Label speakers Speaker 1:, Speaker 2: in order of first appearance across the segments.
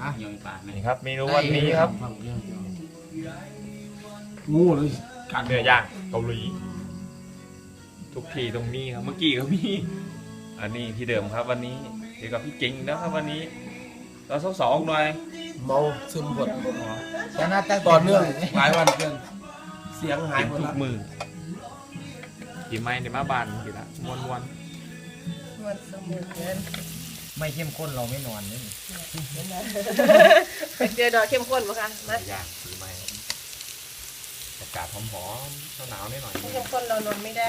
Speaker 1: ยอยปาก
Speaker 2: นี่ครับเมนูวันนี้ครับ
Speaker 3: งูเลย
Speaker 2: เนื้อย่างเกาหลีทุกทีตรงนี้ครับเมื่อกี้ก็มีอันนี้ที่เดิมครับวันนี้เดี๋ยวกับพี่เก่งนะครับวันนี้เราสองหน่อย
Speaker 3: เมาซึมหมด
Speaker 4: ชนะตั้ง
Speaker 3: ต่อเนื่องหลายวันเกินเสียงหาย
Speaker 2: กิน
Speaker 3: หมด
Speaker 2: ทุ
Speaker 3: ละ
Speaker 2: กมือกี่ไม้ในมาบานกี่ละมวน
Speaker 5: มันสมุนเกิน
Speaker 4: ไม่เข้มข้นเราไม่นอนนี่
Speaker 5: เจอดอกเข้มข้นมั้งคะมา
Speaker 2: ย่างกี่ไม้อากาศหอมๆหนาวๆหน่อย
Speaker 5: เข้มข้นเรานอนไม่ได้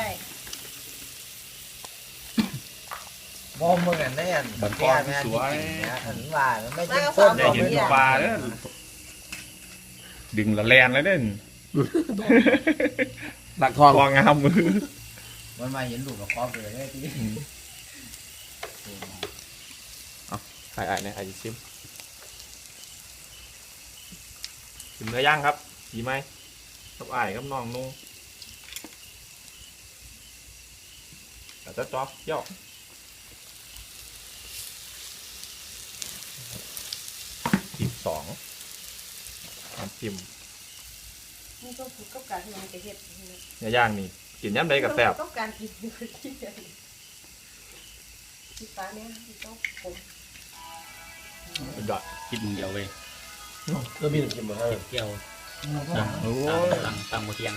Speaker 4: บอมเหมือนกันได้อันแก้แม่สวยอันว่าไม่เข้มข้น
Speaker 2: ได้เห็นตัวปลาเด้อดึงละแลนเลยเด้อ
Speaker 3: ดักทอง
Speaker 2: วางงามมือ
Speaker 4: มันมาเห็นลูกกับครอบเลยได้ที่
Speaker 2: ไอ้เนี่ยไอ้ชิมเนื้อย่างครับดีไหมกับไอ้กับน้องนุ่งแต่จะจ๊อกย่อ12น้ำจิ้ม
Speaker 5: นี่ก็ผูกกับการที่มันจะเห็ด
Speaker 2: เนื้อย่างนี่กินย่ำใดกับแซ่บ
Speaker 5: ต้องการกินที่ที่ฟ้าเนี่ยที่ต้องผม
Speaker 2: ยอด
Speaker 1: กินเดียวเว้ย
Speaker 3: ก็มีหนึ่งกินมาให้
Speaker 1: เกี่ยว
Speaker 2: โอ้
Speaker 1: ตังโมเทียง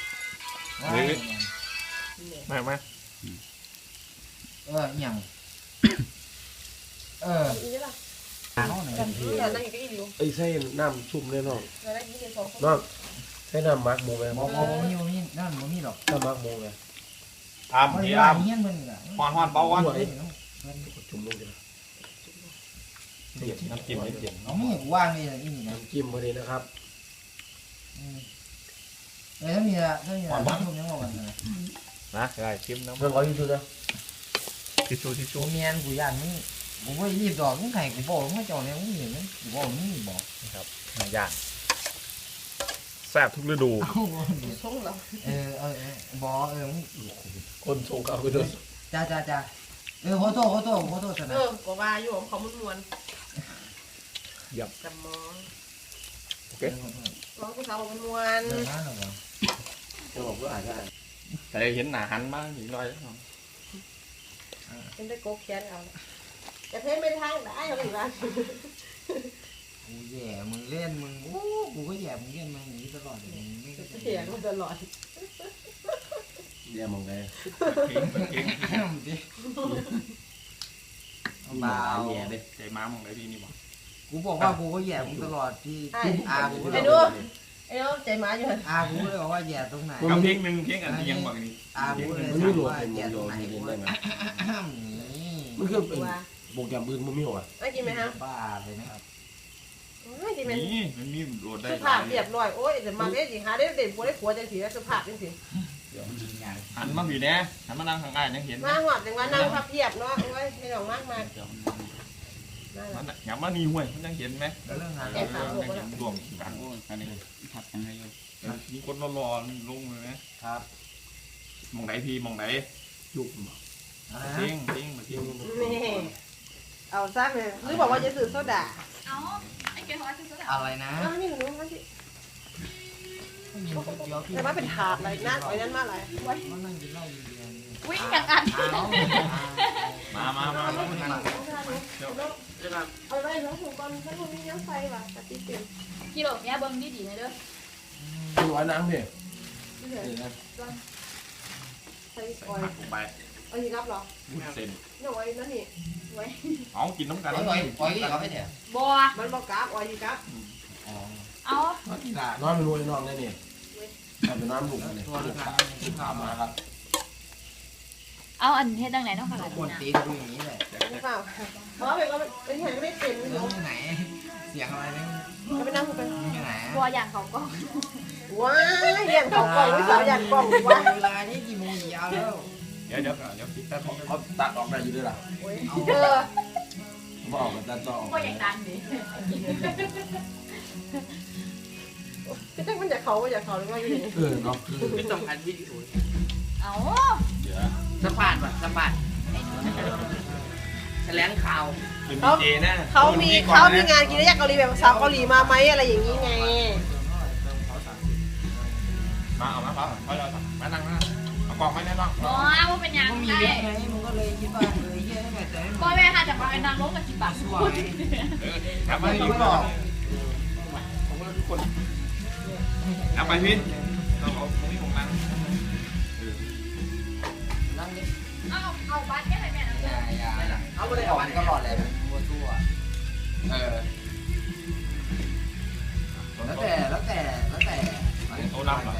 Speaker 2: ไม่ไม่
Speaker 4: อย่าง
Speaker 5: อีนี่ล่ะ
Speaker 4: น้องไหน
Speaker 5: แต่นั่งอยู่ก็อีอยู่
Speaker 3: ไอ้ไส้น้ำชุ่มแน่นอน
Speaker 5: แล้วได้ยินเสียงสองคน
Speaker 3: น้องไส้น้ำมักหมูไหม
Speaker 4: บอมีนั่นมีหรอก
Speaker 3: น้ำมักหมูไหม
Speaker 2: อาม
Speaker 4: มัน
Speaker 2: พี่
Speaker 4: ว่า
Speaker 2: อาม
Speaker 4: เงี้ยมันอ่ะ
Speaker 2: ฮอนเบาวัน
Speaker 3: จุ่มลงกัน
Speaker 2: น้ำจิ้มไม่เปลี่ยน
Speaker 4: น้องมีกูว่างนี่นี่นะ
Speaker 3: น้ำจิ้มพอดีนะครับ
Speaker 4: ถ้ามีน้ำทุ่มยังว่ากันนะ
Speaker 2: นะได้ชิมน้ำ
Speaker 3: เพื่อนเขาอยู่ดูนะ
Speaker 2: ทิชชู่
Speaker 4: กูเมียนกูย่านมึงกูไม่รีบดอกมึงไข่กูบอกมึงจอดเนี่ยมึงเห็นไหมกูบอกมึงบอก
Speaker 2: ครับเนื้อย่างแซ่บทุกฤดู
Speaker 5: ช่องเรา
Speaker 4: บอก
Speaker 3: คนส่งเขาไปด้วย
Speaker 4: จ้าขอโทษส
Speaker 5: เอ
Speaker 4: นะ
Speaker 5: อบอกว่าอยู่ของเขามันมวนจำมอง
Speaker 2: โอเค
Speaker 5: ร้องผู้สาวมันมวน
Speaker 4: เดินมาหน่อย
Speaker 3: จะบอกว่าอาจจะ
Speaker 2: แต่เห็นหนาหันมากอีกหน่อย
Speaker 5: เป็นได้โกแค้นเอาจะเพ่ไม่ทางได้เขาอีกแล้ว
Speaker 4: กูแย่มึงเล่นมึงโอ้กูก็แย่มึงเล่นมาอย่างนี้ตลอดเลยไม่
Speaker 5: เสียงมันตลอด
Speaker 3: แย่มองไง
Speaker 4: เบา
Speaker 1: แย่เลย
Speaker 2: ใจม้ามองได้ดีนี่บ่
Speaker 4: กูบอกว่ากูก็แย่มึงตลอดที่อากูก็
Speaker 5: ไอ้ดูไอ้ดูใจหมาอยู่
Speaker 4: อากูเลยบอกว่าแย่ตรงไหน
Speaker 2: กับเพลงหนึ่งเพลงอันที่ยังบอกนี่
Speaker 4: อากูเลย
Speaker 3: มันไม่หลวม
Speaker 4: ว่า
Speaker 3: เป็น
Speaker 4: แย่
Speaker 3: โย
Speaker 4: ตรง
Speaker 3: น
Speaker 4: ไหน
Speaker 3: มี
Speaker 4: กู
Speaker 3: เล่นได้ไหม
Speaker 4: นี่
Speaker 3: มันคือเป็นโปรแกรมอื่นมันไม่หรอ
Speaker 5: ไม่กินไหมฮะ
Speaker 4: บ้าเลยนะครับ
Speaker 5: ไม่กินไหม
Speaker 2: นี่มันมีโหลดได้
Speaker 5: สุภาพเรียบร้อยโอ้ยแต่มาได้สิหาได้เด่นผัวได้ผัวจังสีสุภาพจังสี
Speaker 2: หันมาอยู่เนี่ยหันมานั่งข้างใต้ยังเห็น
Speaker 5: มาหอดจังว่านั่งพับเพียบเนาะโอ้ยไม่ต้องมากมาย
Speaker 2: มันอย่ามานี่ห่วยมันยังเห็นไหม
Speaker 4: เรื่องงาน
Speaker 2: รวมกัน
Speaker 1: โอ้ยอันนี้ทับยังไงอยู่
Speaker 2: มีคนรอลงเลยนะครับ มองไหนพี่มองไหน
Speaker 3: ยุบ
Speaker 2: เพ่งเพ่งมาเพ่ง
Speaker 5: นี่เอาซะเลยหรือบอกว่าจะซื้อโซดา
Speaker 6: เอาไอ้เกลือซื้อโซดา
Speaker 4: อะไรนะ
Speaker 5: อ้าวนี่หนูมันสิแต่ว่าเป็นถาดอะไรน่าไว้นั่นมาอะไรไว้
Speaker 4: มันนั่งกินเหล้าอยู่เดียว
Speaker 6: วิ่งอย่างอัน
Speaker 2: มา
Speaker 5: เอาไว้แล้วถุงก้อนถ้าคุณมีน้ำไฟว่ะปฏิเสธ
Speaker 6: กิโลเนี้ยเบิ้งดีๆเลยเด้อ
Speaker 3: ดูไอ้น้ำพี่
Speaker 5: ไม่เหลือใส่ออย
Speaker 2: หักลงไป
Speaker 5: เอาอีกรับหรอ
Speaker 2: เส้น
Speaker 5: เนี่ยไว้นั่นนี่ไว้
Speaker 2: เอากินน้ำกัน
Speaker 4: ปล่อยเขาไปเถอะ
Speaker 6: บัว
Speaker 5: มันบอกกราบออยอีกครับ
Speaker 6: เอา
Speaker 3: น้องไม่รู้ไอ้น้องนี่นี่เป็นน้ำหลุมเลย
Speaker 4: ตัวละกัน
Speaker 3: ถามมาครับ
Speaker 6: เอาอันเฮ็ดดังไหนต้องขนาด
Speaker 4: คน
Speaker 6: นี้
Speaker 4: ตีดูอย่างนี้เลย
Speaker 5: ไม่เปล่าเพราะว่าเป็นเห็นไม่เป็น
Speaker 4: เรื่องไหน เสียงอะไรเนี่ย
Speaker 5: จะไปนั่งคุยกัน
Speaker 4: ที่ไหน
Speaker 6: บัวอย่างเขาก็
Speaker 5: ว้ายเรียนเขากล่องไม่สาวยันกล่องว้า
Speaker 4: เวลานี่กี่โมงยาวแล้ว
Speaker 2: เดี๋ยวคิดแต่ของ
Speaker 3: เขาตัดออกได้อยู่ด้วยล่ะ
Speaker 5: เออ
Speaker 3: เขาออกกันตัดต่อออก
Speaker 6: บัวอย่างดังดิ
Speaker 5: พี่แจ๊คมันอยากเขาอยากเขาหรือว่าอยู่นี่
Speaker 3: เนาะ
Speaker 1: ไม่ต้องอัดวิดีโอ
Speaker 6: เอา
Speaker 1: สะพานว่ะสะพาน
Speaker 4: ใช้แถลงข่าว
Speaker 2: เป็นดีเจนะ
Speaker 5: เขามีงานกินได้ยากเกาหลีแบบสาวเกาหลีมาไหมอะไรอย่างนี้ไง
Speaker 2: มาเอามาเขาเรามานั่งนะเอากล่องมาแน่นอน
Speaker 6: อ๋อว่าเป็นยัง
Speaker 4: มึงมี
Speaker 6: ได้
Speaker 4: เยอะไงมึงก็เลยคิดว่าเฮียได้แต่
Speaker 6: พ่อแม่ค่ะจะมาเป็นนางรบกับจิบปาก
Speaker 4: สวย
Speaker 2: กลับมาอีกรอบผมก็ทุกคนเอาไปพี่เราเอาตรงนี้ของนั่ง
Speaker 4: นั่งดิ
Speaker 6: เอาบ้านแค่ไหนแม่นะ
Speaker 4: อย่าเอาไปเลยเอาไปก็หลอดเลยมัวตัว แล้วแต่
Speaker 2: โอ้น้ำเหรอ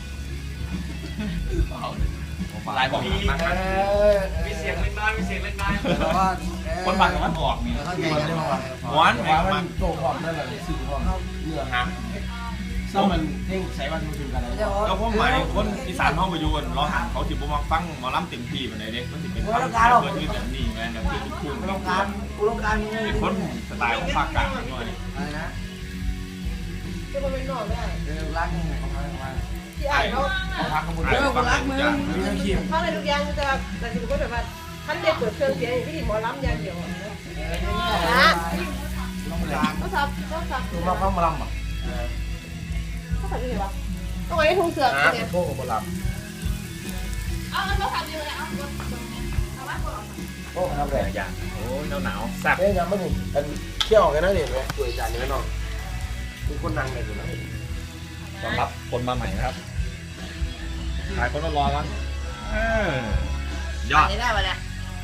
Speaker 2: ลายบอกมา
Speaker 1: มีเสียงเล่นบ้านมีเสียงเล่นบ้าน
Speaker 4: เพราะว่า
Speaker 2: คนบังกับมันออกนี่
Speaker 4: เข้าใจกันว่า
Speaker 2: ม้วน
Speaker 3: ว่ามันโตพร้อมนั่นแหละสื่อพร้อมเนื้อหาซึ่งมันเพ่งใช้วันมาถึงกันแล้ว
Speaker 2: แล้วพวกหมายคนอีสานห้องประยุนเราเขาจิบมาฟังหมอลำเต็มที่แบบไหนเด็กมันจะเป็นฟังเพื่อนที่แบบนี้ไงแบบคือคู่
Speaker 4: กูต้องการ
Speaker 2: เป็นคนสไตล์ของภาคกลางหน่อย
Speaker 4: อะไรนะ
Speaker 5: จะมาเป็นนอนได้
Speaker 4: รักมึงเขาทำมา
Speaker 5: ที่อ่านเขา
Speaker 2: ของภาคกำพูฟังทุกอย่าง
Speaker 5: เขาอะไรทุกอย่างจะแบบแต่ถึงก็แบบว่าท่านเด็กเปิดเครื่องเสียงอย่างที่หมอลำอย่างเดียวนะ
Speaker 4: ต้องการ
Speaker 5: เขาสับ
Speaker 3: ตัวมาเข้ามาลำอ่ะ
Speaker 5: เขาสับยังไงวะต้องไว้ทุ่งเสือกเนี่ย
Speaker 3: พวกกับล
Speaker 6: เอาเงินมาฝากดีเลยเอาเอาว่า
Speaker 3: ำพวกทำแรง
Speaker 2: อย่างโอ้ยหนาวแซ่บ
Speaker 3: เฮ้ยยังไม่ถึงกันเที่ยวกันนะเนี่ยไหมตัวจานนี้น้องคือคนนั่งเลยอยู่นะ
Speaker 2: ต้อนรับคนมาใหม่นะครับขายคนรอกันยอด
Speaker 5: นี่ได้ปะเนี่ย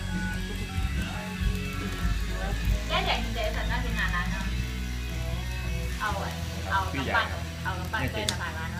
Speaker 6: แย่ใหญ่จริงๆสัตว์น่ากินนานแล้วเนาะเอากำปั้นเอากำปั้นเต้นละบาทร้านเนาะ